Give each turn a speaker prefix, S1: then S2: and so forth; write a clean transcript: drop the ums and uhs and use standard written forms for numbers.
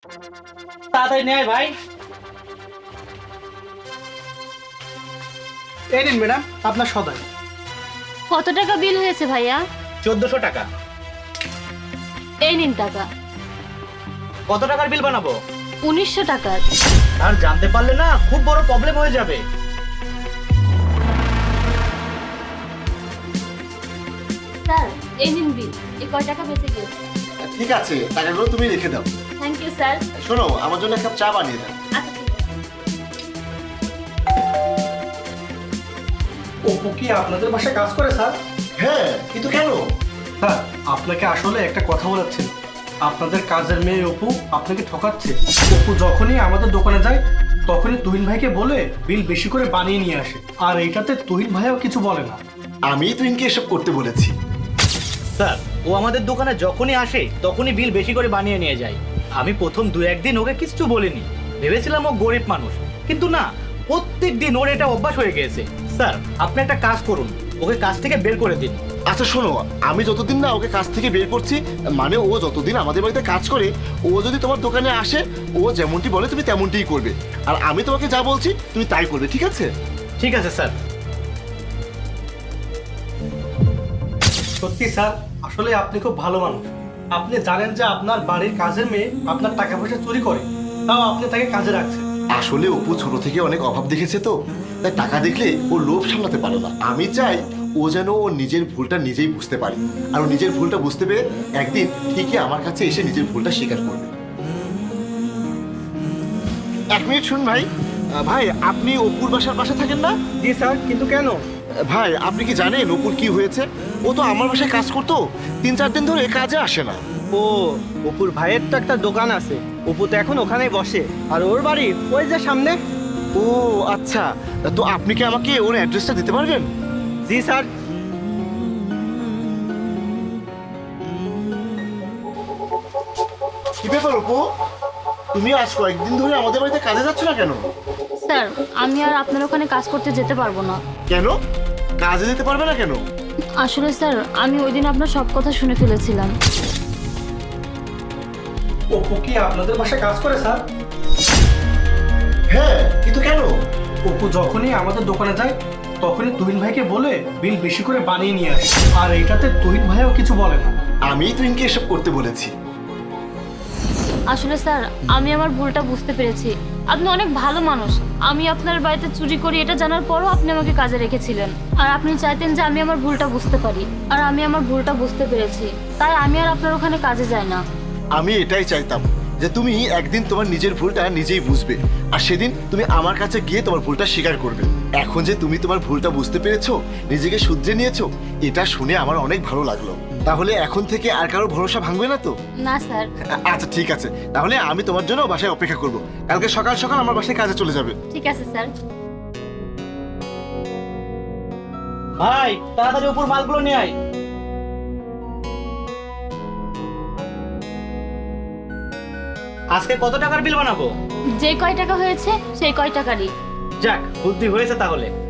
S1: তাড়াতাড়ি নেয় ভাই।
S2: এই নিন ম্যাডাম আপনার সদাই।
S3: কত টাকা বিল হয়েছে ভাইয়া?
S1: 1400 টাকা।
S3: এই নিন টাকা।
S1: কত টাকার বিল বানাবো?
S3: 1900 টাকার।
S1: আর জানতে পারলে না খুব বড় প্রবলেম হয়ে যাবে।
S3: স্যার এই নিন বিল। এই কয় টাকা বেঁচে গেছে?
S4: ঠিক আছে, টাকাগুলো তুমি রেখে দাও।
S3: Thank you sir.
S4: শোনো, আমার জন্য এক কাপ চা বানিয়ে দাও।
S3: আচ্ছা ঠিক আছে।
S2: অপু কি আপনাদের বাসায় কাজ করে স্যার?
S4: হ্যাঁ, কিন্তু কেন?
S2: স্যার আপনাকে আসলে একটা কথা বলাচ্ছিল। আপনাদের কাজের মেয়ে অপু আপনাকে ঠকাচ্ছে। অপু যখনই আমাদের দোকানে যায় তখনই তুহিন ভাইকে বলে বিল বেশি করে বানিয়ে নিয়ে আসে, আর এইটাতে তুহিন ভাইও কিছু বলে না।
S4: আমি তুইকে এসব করতে বলেছি।
S1: স্যার ও আমাদের দোকানে যখনই আসে তখনই বিল বেশি করে বানিয়ে নিয়ে যায়। আমি প্রথম 2-1 দিন ওকে কিছু বলিনি, ভেবেছিলাম ও গরিব মানুষ, কিন্তু না, প্রত্যেক দিন ওর এটা অভ্যাস হয়ে গেছে। স্যার আপনি একটা কাজ করুন, ওকে কাজ থেকে বের করে দিন।
S4: আচ্ছা শোনো, আমি যতদিন না ওকে কাজ থেকে বের করছি, মানে ও যতদিন আমাদের বাড়িতে কাজ করে, ও যদি তোমার দোকানে আসে, ও যেমনটি বলে তুমি তেমনটিই করবে, আর আমি তোমাকে যা বলছি তুমি তাই করবে, ঠিক আছে?
S1: ঠিক আছে স্যার।
S2: সত্যি স্যার, আসলে আপনি খুব ভালো মানুষ। আপনি জানেন যে আপনার বাড়ির কাজের মেয়ে আপনার টাকা পয়সা চুরি করে, তাও আপনি তাকে কাজে রাখছেন।
S4: আসলে অপু ছোট থেকে অনেক অভাব দেখেছে তো, তাই টাকা দেখলে ও লোভ সামলাতে পারে না। আমি চাই ও যেন ও নিজের ভুলটা নিজেই বুঝতে পারে, আর ও নিজের ভুলটা বুঝতে পেরে একদিন ঠিকই আমার কাছে এসে নিজের ভুলটা স্বীকার করবে। 1 মিনিট শুন ভাই। ভাই, আপনি অপুর বাসার পাশে থাকেন না?
S2: জি স্যার, কিন্তু কেন?
S4: ভাই, আপনি কি জানেন অপুর কি হয়েছে? ও তো আমার বাসায় কাজ করতো, 3-4 দিন ধরে কাজে আসে না।
S5: ও, অপুর ভাইয়ের তো একটা দোকান আছে, অপু তো এখন ওখানেই বসে, আর ওর বাড়ি ওই যে সামনে।
S4: ও আচ্ছা, তো আপনি কি আমাকে ওর অ্যাড্রেসটা দিতে পারবেন?
S5: জি স্যার।
S4: কি ব্যাপার অপু, তুমি আজ কয়েকদিন ধরে আমাদের বাড়িতে কাজে যাচ্ছ না কেন?
S3: স্যার আমি আর আপনার ওখানে কাজ করতে যেতে পারবো না।
S4: কেন কাজে যেতে পারবে না কেন?
S3: আসলে স্যার আমি ওই দিন আপনার সব কথা শুনে ফেলেছিলাম।
S2: অপু কি আপনাদের বাসায় কাজ করে স্যার?
S4: হ্যাঁ, কিন্তু কেন?
S2: অপু যখনই আমাদের দোকানে যায় তখনই তুহিন ভাইকে বলে বিল বেশি করে বানিয়ে নিয়ে আসে, আর এইটাতে তুহিন ভাইও কিছু বলে না।
S4: আমি তুইকে এসব করতে বলেছি।
S3: আসলে স্যার আমি আমার ভুলটা বুঝতে পেরেছি। আপনি অনেক ভালো মানুষ। আমি আপনার বাড়িতে চুরি করি এটা জানার পরও আপনি আমাকে কাজে রেখেছিলেন, আর আপনি চাইতেন যে আমি আমার ভুলটা বুঝতে পারি, আর আমি আমার ভুলটা বুঝতে পেরেছি, তাই আমি আর আপনার ওখানে কাজে যাই না।
S4: আমি এটাই চাইতাম যে তুমি একদিন তোমার নিজের ভুলটা নিজেই বুঝবে, আর সেদিন তুমি আমার কাছে গিয়ে তোমার ভুলটা স্বীকার করবে। এখন যে তুমি তোমার ভুলটা বুঝতে পেরেছো, নিজেকে শুধরে নিয়েছো, এটা শুনে আমার অনেক ভালো লাগলো। তাহলে এখন থেকে আর কারো ভরসা ভাঙবে না তো?
S3: না স্যার।
S4: আচ্ছা ঠিক আছে, তাহলে আমি তোমার জন্য বাসায় অপেক্ষা করব। কালকে সকাল সকাল আমার বাসায় কাজে চলে যাবে।
S3: ঠিক আছে স্যার।
S1: ভাই তাড়াতাড়ি উপর মালগুলো নিয়ে আয়। আজকে কত টাকার বিল বানাবো?
S3: যে কয় টাকা হয়েছে সেই কয় টাকারই।
S1: যাক, বুদ্ধি হয়েছে তাহলে।